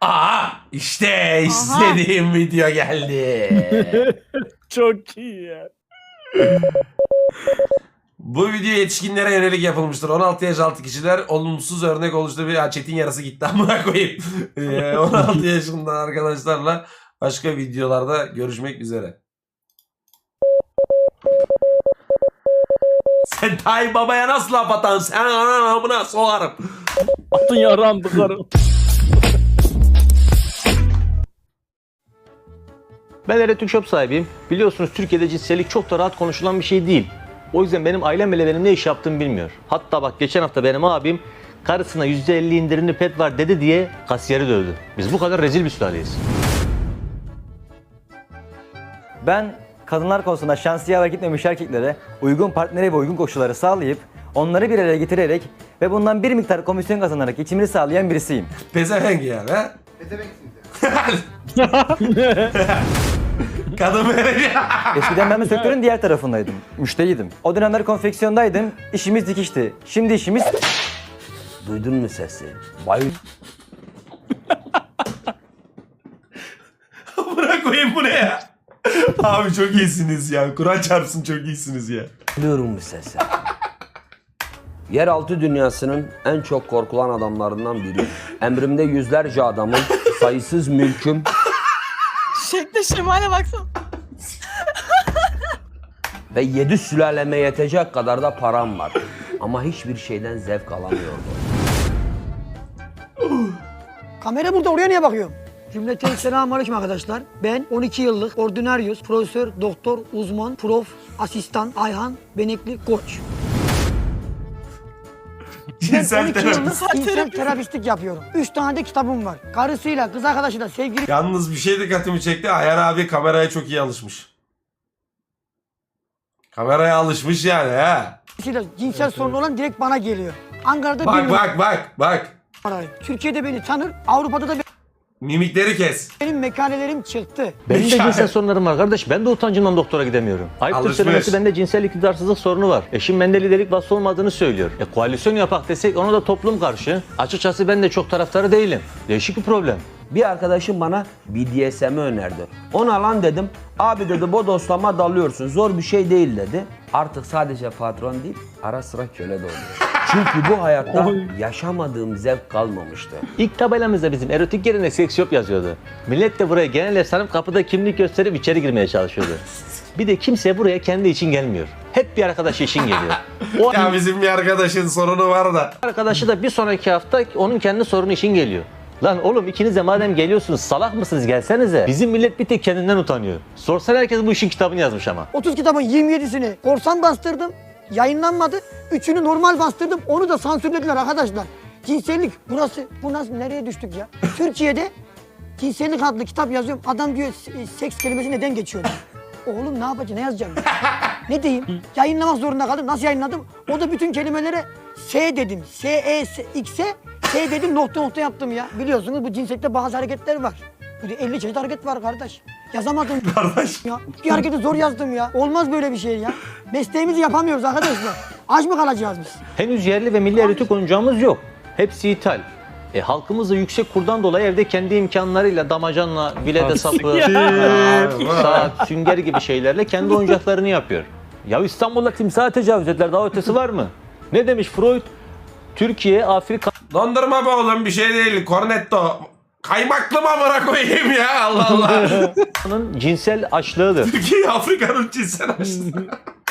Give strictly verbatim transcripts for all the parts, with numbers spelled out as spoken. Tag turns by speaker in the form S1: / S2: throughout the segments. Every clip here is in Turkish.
S1: Aa işte istediğim video geldi.
S2: Çok iyi ya.
S1: Bu video yetişkinlere yönelik yapılmıştır. on altı yaş altı kişiler olumsuz örnek oluştu. Bir ya Çetin yarısı gitti amına koyayım. Ee, on altı yaşında arkadaşlarla başka videolarda görüşmek üzere. Sen Tayyip Baba'ya nasıl laf atansın? Sen anan amına soğarım.
S2: Atın yaram tıkarım.
S3: Ben Erotik Shop sahibiyim. Biliyorsunuz Türkiye'de cinsellik çok da rahat konuşulan bir şey değil. O yüzden benim ailem bile benim ne iş yaptığımı bilmiyor. Hatta bak geçen hafta benim abim karısına yüzde elli indirimli pet var dedi diye kasiyeri dövdü. Biz bu kadar rezil bir sülaleyiz.
S4: Ben kadınlar konusunda şanslı yaver gitmemiş erkeklere uygun partneri ve uygun koşulları sağlayıp onları bir araya getirerek ve bundan bir miktar komisyon kazanarak geçimini sağlayan birisiyim.
S1: Pezevenk yani ha? Kadın böyle.
S4: Eskiden ben bu sektörün diğer tarafındaydım. Müşteriydim. O dönemler konfeksiyondaydım. İşimiz dikişti. Şimdi işimiz...
S5: Duydun mu sesi? Bayıl.
S1: Bırak koyayım bu ne ya? Abi çok iyisiniz ya. Kur'an çarpsın çok iyisiniz ya.
S5: Duyuyorum bu sesi. Yeraltı dünyasının en çok korkulan adamlarından biri. Emrimde yüzlerce adamın, sayısız mülküm.
S6: Şekle şemale baksana.
S5: Ve yedi sülaleme yetecek kadar da param var. Ama hiçbir şeyden zevk alamıyordum.
S7: Kamera burada, oraya niye bakıyorum? Cümleten selamünaleyküm arkadaşlar. Ben on iki yıllık ordinaryus, profesör, doktor, uzman, prof, asistan, Ayhan, Benekli, koç.
S1: Cinsel
S7: on iki yıllık
S1: terapi.
S7: cinsel terapistlik yapıyorum. Üç tane de kitabım var. Karısıyla, kız arkadaşıyla, sevgili...
S1: Yalnız bir şey dikkatimi çekti. Ayhan abi kameraya çok iyi alışmış. Kameraya alışmış yani ha.
S7: cinsel sorunu olan direkt bana geliyor. Ankara'da
S1: Bak
S7: bir
S1: bak bak bak.
S7: numarayı. Türkiye'de beni tanır, Avrupa'da da
S1: Mimikleri kes.
S7: benim mekanelerim çıktı.
S3: Benim de
S1: Hikaye.
S3: cinsel sorunlarım var kardeş. Ben de utancımdan doktora gidemiyorum. Ayıptır
S1: Alışmış.
S3: söylemesi bende cinsel iktidarsızlık sorunu var. Eşim bende liderlik vasfı olmadığını söylüyor. E, koalisyon yapak desek ona da toplum karşı. Açıkçası ben de çok taraftarı değilim. Değişik bir problem.
S5: Bir arkadaşım bana B D S M'i önerdi. Ona lan dedim. Abi dedi bodoslama dalıyorsun. Zor bir şey değil dedi. Artık sadece patron değil, ara sıra köle de oluyor. Çünkü bu hayatta yaşamadığım zevk kalmamıştı.
S3: İlk tabelamızda bizim erotik yerine seks shop yazıyordu. Millet de buraya genel ev sanıp kapıda kimlik gösterip içeri girmeye çalışıyordu. Bir de kimse buraya kendi için gelmiyor. Hep bir arkadaş için geliyor. O
S1: Ya bizim bir arkadaşın sorunu var da.
S3: arkadaşı da bir sonraki hafta onun kendi sorunu için geliyor. Lan oğlum ikiniz de madem geliyorsunuz salak mısınız gelsenize. Bizim millet bir tek kendinden utanıyor. Sorsan herkes bu işin kitabını yazmış ama.
S7: otuz kitabın yirmi yedisini korsan bastırdım. Yayınlanmadı. Üçünü normal bastırdım. Onu da sansürlediler arkadaşlar. Cinsellik burası. Bu nasıl, nereye düştük ya? Türkiye'de cinsellik adlı kitap yazıyorum. Adam diyor seks kelimesi neden geçiyor? Oğlum ne yapacağım? Ne yazacağım? Ne diyeyim? Yayınlamak zorunda kaldım. Nasıl yayınladım? O da bütün kelimelere S dedim. S, E, S, X'e S dedim, nokta nokta yaptım ya. Biliyorsunuz bu cinsellikte bazı hareketler var. Burada elli çeşit hareket var kardeş. Yazamadım.
S1: Kardeş.
S7: Ya bir hareketi zor yazdım ya. Olmaz böyle bir şey ya. Mesleğimizi yapamıyoruz arkadaşlar. Aç mı kalacağız biz?
S3: Henüz yerli ve milli erotik oyuncağımız yok. Hepsi ithal. E, halkımız da yüksek kurdan dolayı evde kendi imkanlarıyla damacanla, bilede sapı, saat, sünger gibi şeylerle kendi oyuncaklarını yapıyor. Ya İstanbul'da timsaha tecavüz ettiler, daha ötesi var mı? Ne demiş Freud? Türkiye, Afrika...
S1: Dondurma be oğlum bir şey değil. Cornetto. Kaymaklı mı amına koyayım ya Allah Allah.
S3: cinsel açlığıdır.
S1: Türkiye Afrika'nın cinsel açlığı.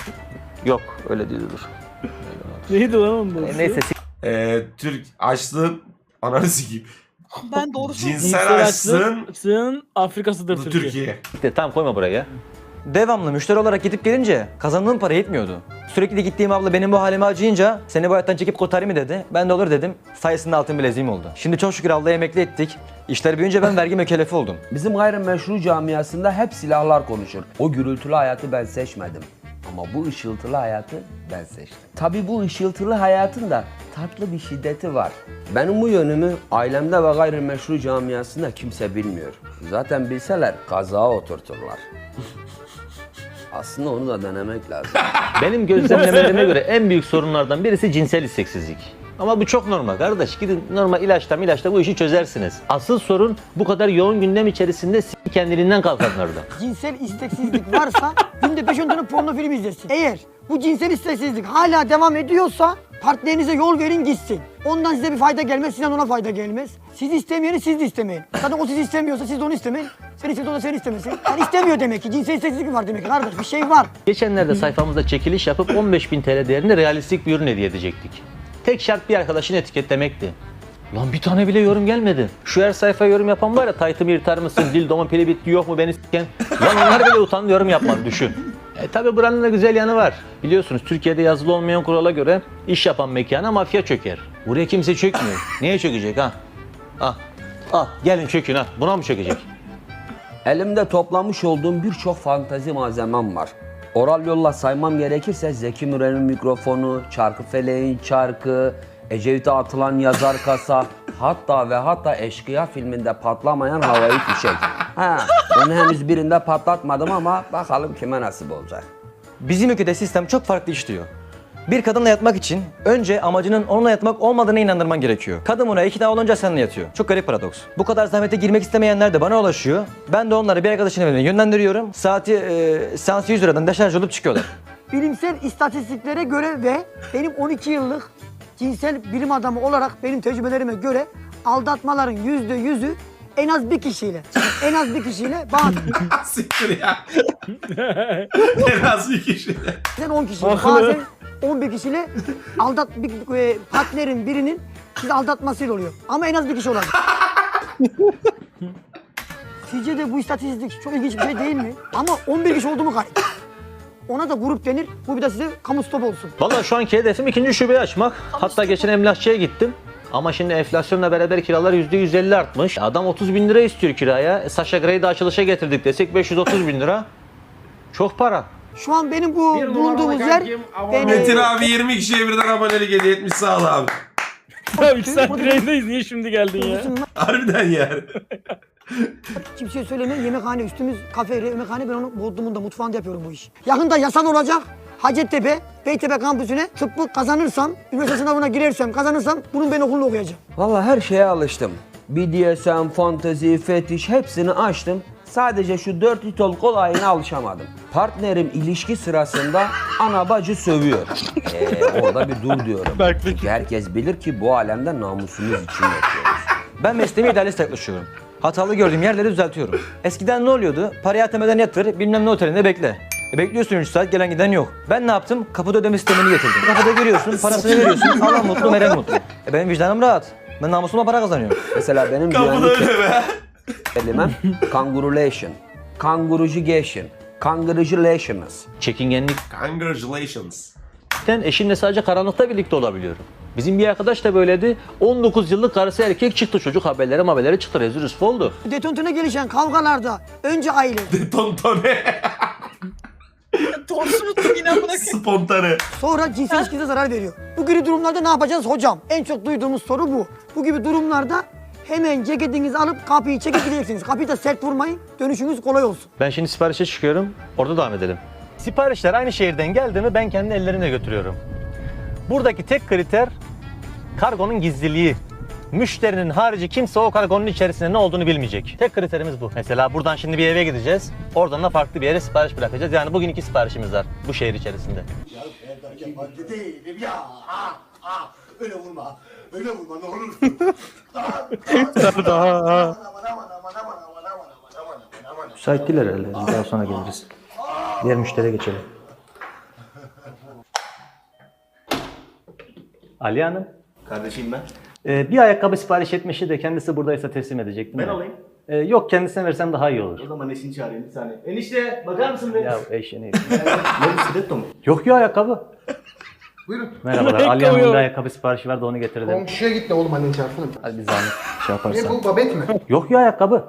S3: Yok öyle değildir.
S2: Neydi lan onun da?
S3: E, neyse
S1: Ee, Türk açlığın ananı sikeyim.
S6: Ben doğru söylüyorum.
S1: Cinsel açlığın
S2: açlığın Afrika'sıdır
S1: bu
S2: Türkiye.
S1: Türkiye.
S3: işte, tamam koyma buraya.
S4: Devamlı müşteri olarak gidip gelince kazandığım para yetmiyordu. Sürekli gittiğim abla benim bu halime acıyınca seni bu hayattan çekip kurtarayım mı dedi. Ben de olur dedim. Sayesinde altın bileziğim oldu. Şimdi çok şükür ablayı emekli ettik. İşler büyüyünce ben vergi mükellefi oldum.
S5: Bizim gayrimeşru camiasında hep silahlar konuşur. O gürültülü hayatı ben seçmedim. Ama bu ışıltılı hayatı ben seçtim. Tabii bu ışıltılı hayatın da tatlı bir şiddeti var. Benim bu yönümü ailemde ve gayrimeşru camiasında kimse bilmiyor. Zaten bilseler kazağa oturturlar. Aslında onu da denemek lazım.
S3: Benim gözlemlemelerime göre en büyük sorunlardan birisi cinsel isteksizlik. Ama bu çok normal kardeş. Gidin normal ilaçla ilaçla bu işi çözersiniz. Asıl sorun bu kadar yoğun gündem içerisinde s- kendiliğinden kalkanlarda.
S7: Cinsel isteksizlik varsa günde beş on tane porno film izlesin. Eğer bu cinsel isteksizlik hala devam ediyorsa partnerinize yol verin gitsin. Ondan size bir fayda gelmez, sizden ona fayda gelmez. Siz istemeyeni siz de istemeyin. Zaten o sizi istemiyorsa siz de onu istemeyin. Sen istiyorsan o da seni istemesin. Yani istemiyor demek ki. Cinsel isteksizlik var demek ki kardeş. Bir şey var.
S3: Geçenlerde sayfamızda çekiliş yapıp on beş bin T L değerinde realistik bir ürün hediye edecektik. Tek şart bir arkadaşını etiketlemekti. Lan bir tane bile yorum gelmedi. Şu her sayfaya yorum yapan var ya, taytımı yırtar mısın, dildomun pili bitti yok mu beni s**ken. Lan onlar bile utandı yorum yapmadı, düşün. E tabi buranın da güzel yanı var. Biliyorsunuz Türkiye'de yazılı olmayan kurala göre iş yapan mekana mafya çöker. Buraya kimse çökmüyor. Niye çökecek ha? Ah, ah gelin çökün ha. Buna mı çökecek?
S5: Elimde toplamış olduğum birçok fantezi malzemem var. Oral yolla saymam gerekirse Zeki Müren'in mikrofonu, Çarkıfeleğin çarkı, Ecevit'e atılan yazar kasa, hatta ve hatta Eşkıya filminde patlamayan havai fişek. Ha, onu henüz birinde patlatmadım ama bakalım kime nasip olacak.
S4: Bizim ülkede sistem çok farklı işliyor. Bir kadınla yatmak için önce amacının onunla yatmak olmadığına inandırman gerekiyor. Kadın buna ikna olunca seninle yatıyor. Çok garip paradoks. Bu kadar zahmete girmek istemeyenler de bana ulaşıyor. Ben de onları bir arkadaşın evine yönlendiriyorum. Saati e, seansı yüz liradan deşarj olup çıkıyorlar.
S7: Bilimsel istatistiklere göre ve benim on iki yıllık cinsel bilim adamı olarak benim tecrübelerime göre aldatmaların yüzde yüzü en az bir kişiyle, en az bir kişiyle bazen
S1: Siktir ya. En az bir kişi.
S7: on kişiyle,
S2: Haklı.
S7: bazen on bir kişiyle aldat bir e, partnerin birinin sizi aldatmasıyla oluyor. Ama en az bir kişi olacak. Sizce de bu istatistik çok ilginç bir şey değil mi? Ama on bir kişi oldu mu kayıt? Ona da grup denir. Bu bir de size kamu stop olsun.
S3: Vallahi şu anki hedefim ikinci şubeyi açmak. Hatta geçen emlakçıya gittim. Ama şimdi enflasyonla beraber kiralar yüzde yüz elli artmış. Adam otuz bin lira istiyor kiraya. E, Sasha Grey'i de açılışa getirdik desek beş yüz otuz bin lira. Çok para.
S7: Şu an benim bu bulunduğumuz yer... beni-
S1: Metin abi yirmi kişiye birden abonelik hediye etmiş, sağ ol abi.
S2: Ya iki saattir yayındayız. Niye şimdi geldin ya?
S1: Harbiden yani.
S7: Kimseye söylemeyin. Yemekhane üstümüz kafe, yemekhane. Ben onu Bodrum'da, mutfağında yapıyorum bu işi. Yakında yasal olacak. Hacettepe, Beytepe kampüsüne tıbbı kazanırsam, üniversite sınavına girersem, kazanırsam bunun ben okulunu okuyacağım.
S5: Vallahi her şeye alıştım. B D S M, fantezi, fetiş hepsini açtım. Sadece şu dört litol kolayına alışamadım. Partnerim ilişki sırasında ana bacı sövüyor. Ee, orada bir dur diyorum. Çünkü herkes bilir ki bu alemde namusumuz için yapıyoruz.
S4: Ben mesleğime idealist yaklaşıyorum. Hatalı gördüğüm yerleri düzeltiyorum. Eskiden ne oluyordu? Parayı atameden yatır, bilmem ne otelinde bekle. E bekliyorsun üç saat, gelen giden yok. Ben ne yaptım? Kapıda ödeme sistemini getirdim. Kapıda görüyorsun, parasını veriyorsun, alan mutlu, veren mutlu. E benim vicdanım rahat. Ben namusumla para kazanıyorum.
S5: Mesela benim
S1: Kapıda
S5: güvenlik
S1: öyle be.
S5: kelimem kangurulation, kangurucugation, kangurulations.
S3: Çekingenlikten
S1: Congratulations.
S3: eşimle sadece karanlıkta birlikte olabiliyorum. Bizim bir arkadaş da böyleydi. on dokuz yıllık karısı erkek çıktı, çocuk haberleri haberleri çıktı. Rezil rüsva oldu.
S7: Detontuna gelişen kavgalarda önce aile,
S1: Tontone.
S6: Doğrusu unuttum yine amına koyayım.
S1: Spontane.
S7: sonra cinsel ilişkinize zarar veriyor. Bu gibi durumlarda ne yapacağız hocam? En çok duyduğumuz soru bu. Bu gibi durumlarda hemen ceketinizi alıp kapıyı çekip gideceksiniz. Kapıyı da sert vurmayın, dönüşünüz kolay olsun.
S3: Ben şimdi siparişe çıkıyorum. Orada devam edelim. Siparişler aynı şehirden geldi mi ben kendi ellerimle götürüyorum. Buradaki tek kriter kargonun gizliliği. Müşterinin harici kimse o kargonun içerisinde ne olduğunu bilmeyecek. Tek kriterimiz bu. Mesela buradan şimdi bir eve gideceğiz. Oradan da farklı bir yere sipariş bırakacağız. Yani bugün iki siparişimiz var bu şehir içerisinde.
S8: Yabancı değilim ya. Ah, ah. Öyle vurma. Öyle vurma ne olur.
S3: Müsait değiller herhalde. Daha sonra geliriz. Diğer müşteriye geçelim. Ali Hanım.
S8: Kardeşim ben.
S3: Ee, bir ayakkabı sipariş etmişti de kendisi buradaysa teslim edecektim.
S8: Ben
S3: de.
S8: alayım.
S3: Ee, yok kendisine versem daha iyi olur.
S8: O zaman eşini çağırayım bir saniye. Enişte bakar mısın be?
S3: Ya eşeğini.
S8: Ne bisiklet mi?
S3: Yok ya ayakkabı.
S8: Buyurun.
S3: Merhabalar.
S2: Ayakkabı
S3: Ali Hanım'ın
S2: yok.
S3: bir ayakkabı siparişi vardı onu getirdim.
S8: Komşuya git de oğlum annen çağırsana.
S3: Hadi bir zahmet şey
S8: Ne
S3: yaparsan.
S8: bu babet mi?
S3: Yok ya ayakkabı.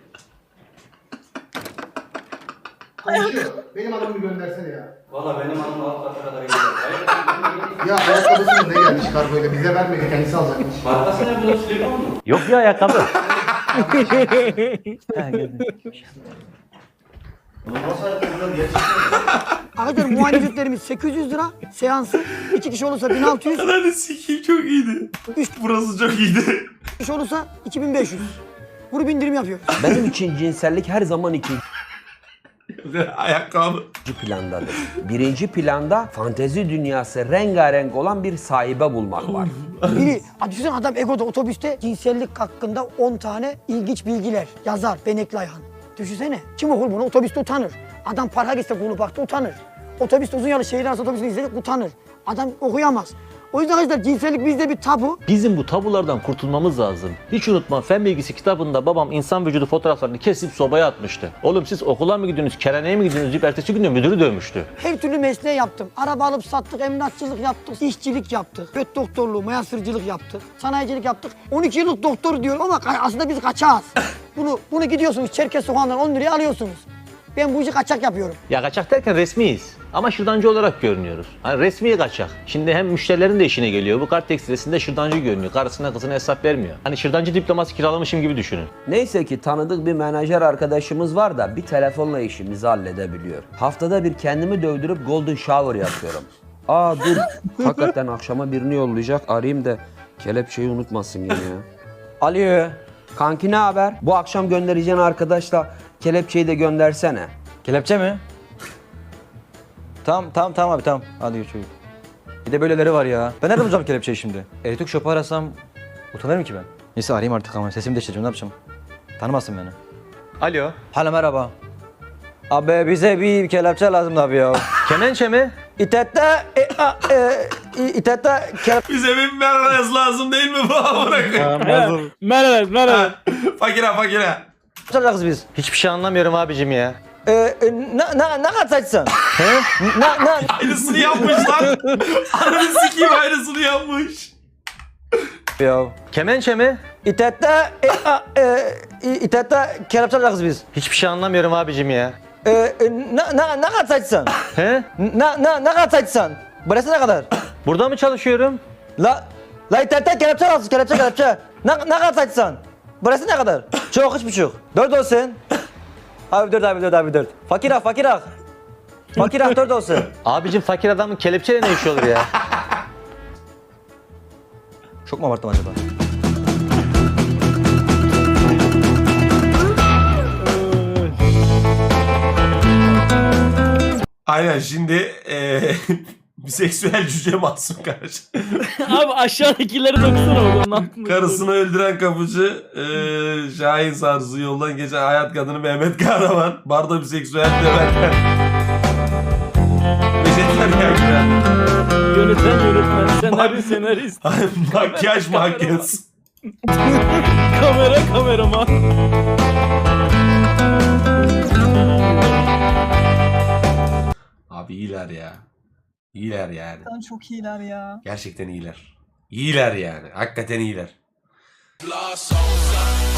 S8: Komşu. Benim adamımı göndersene ya. Valla benim hanım alt kata kadar gidiyor. Ya ayakkabısını ne gelmiş kargoyla bize vermedi kendisi alacakmış.
S3: Yok ya ayakkabı. Ha, geldi.
S7: Arkadaşlar muayene ücretlerimiz sekiz yüz lira. Seansı iki kişi olursa bin altı yüz.
S1: Ananı sikeyim çok iyiydi.
S7: Üç
S1: Burası çok iyiydi.
S7: kişi olursa iki bin beş yüz. Grup indirim yapıyoruz.
S5: Benim için cinsellik her zaman ikinci
S1: Ayakkabı.
S5: plandadır. Birinci planda fantezi dünyası rengarenk olan bir sahibe bulmak var.
S7: Biri, düşünsene adam Ego'da otobüste cinsellik hakkında on tane ilginç bilgiler yazar Benekli Ayhan. Düşünsene. Kim okur bunu? Otobüste utanır. Adam parka gitse kulu baktı utanır. Otobüste uzun yolu şehir arası otobüsünü izledik utanır. Adam okuyamaz. O yüzden arkadaşlar cinsellik bizde bir tabu.
S3: Bizim bu tabulardan kurtulmamız lazım. Hiç unutma fen bilgisi kitabında babam insan vücudu fotoğraflarını kesip sobaya atmıştı. Oğlum siz okula mı gidiyorsunuz, keraneye mi gidiyorsunuz deyip ertesi gün de müdürü dövmüştü.
S7: Her türlü mesleği yaptım. Araba alıp sattık, emlakçılık yaptık, işçilik yaptık, göt doktorluğu, mayasırcılık yaptık, sanayicilik yaptık. on iki yıllık doktor diyorum ama ka- aslında biz kaçağız. Bunu bunu gidiyorsunuz Çerkez sokağından on liraya alıyorsunuz. Ben bu işi kaçak yapıyorum.
S3: Ya kaçak derken resmiyiz. Ama şırdancı olarak görünüyoruz. Hani resmi kaçak. Şimdi hem müşterilerin de işine geliyor. Bu kart tekstilesinde şırdancı görünüyor. Karısına kızına hesap vermiyor. Hani şırdancı diploması kiralamışım gibi düşünün.
S5: Neyse ki tanıdık bir menajer arkadaşımız var da bir telefonla işimizi halledebiliyor. Haftada bir kendimi dövdürüp golden shower yapıyorum. Aa dur, hakikaten akşama birini yollayacak. Arayayım da kelepçeyi unutmasın yine ya.
S4: Alo.
S5: Kanki ne haber? Bu akşam göndereceğin arkadaşla kelepçeyi de göndersene.
S4: Kelepçe mi? Tamam tamam tamam abi tamam. Hadi çocuk. Bir de böyleleri var ya. Ben nereden bulacağım kelepçeyi şimdi? Elektrik şopu arasam utanırım ki ben. Neyse arayayım artık ama sesimi değiştireceğim ne yapacağım? Tanımasın beni.
S3: Alo.
S4: Hala merhaba. Abi bize bir kelepçe lazım abi ya.
S3: Kemençe mi?
S4: İtette, e, a, e, i- İtette kelepçe
S1: Bize bir merhaz lazım değil mi bu amına koyayım?
S2: Merhaba, merhaba.
S1: Fakire fakire.
S4: alacağız biz.
S3: Hiçbir şey anlamıyorum abicim ya.
S4: E, e, ne, ne, ne kadar saçsın? He? Ne, ne?
S1: Aynısını yapmış lan. Ananı sikeyim aynısını yapmış.
S4: Ya.
S3: Kemençe mi?
S4: İtette, e, a, e, i- İtette kelepçe alacağız biz.
S3: Hiçbir şey anlamıyorum abicim ya.
S4: E, e, ne, ne, ne kadar saçsın?
S3: He?
S4: Ne, ne, ne kadar saçsın? Burası ne kadar?
S3: Burada mı çalışıyorum?
S4: La, la internette kelepçe alsın, kelepçe kelepçe. Ne, ne kadar saçsın? Burası ne kadar? Çok, üç buçuk. Dört olsun. Abi dört, abi dört, abi dört. Fakir ah, fakir ah. Fakir ah, dört olsun.
S3: Abicim fakir adamın kelepçeyle ne işi olur ya?
S4: Çok mu abarttım acaba?
S1: Aynen şimdi eee biseksüel cüce Mahsun karşı.
S2: Abi aşağıdakileri dokusana oğlum. lan.
S1: Karısını öldüren kapıcı eee Şahin Sarsı yoldan geçen hayat kadını Mehmet Kahraman. Barda biseksüel de ben. Vejetaryen.
S2: Yöneten yönetmen, senarist senarist,
S1: Makyaj makyaj.
S2: kamera kameraman.
S1: Abi iyiler ya. İyiler yani.
S6: Lan çok iyiler ya.
S1: Gerçekten iyiler. İyiler yani. Hakikaten iyiler.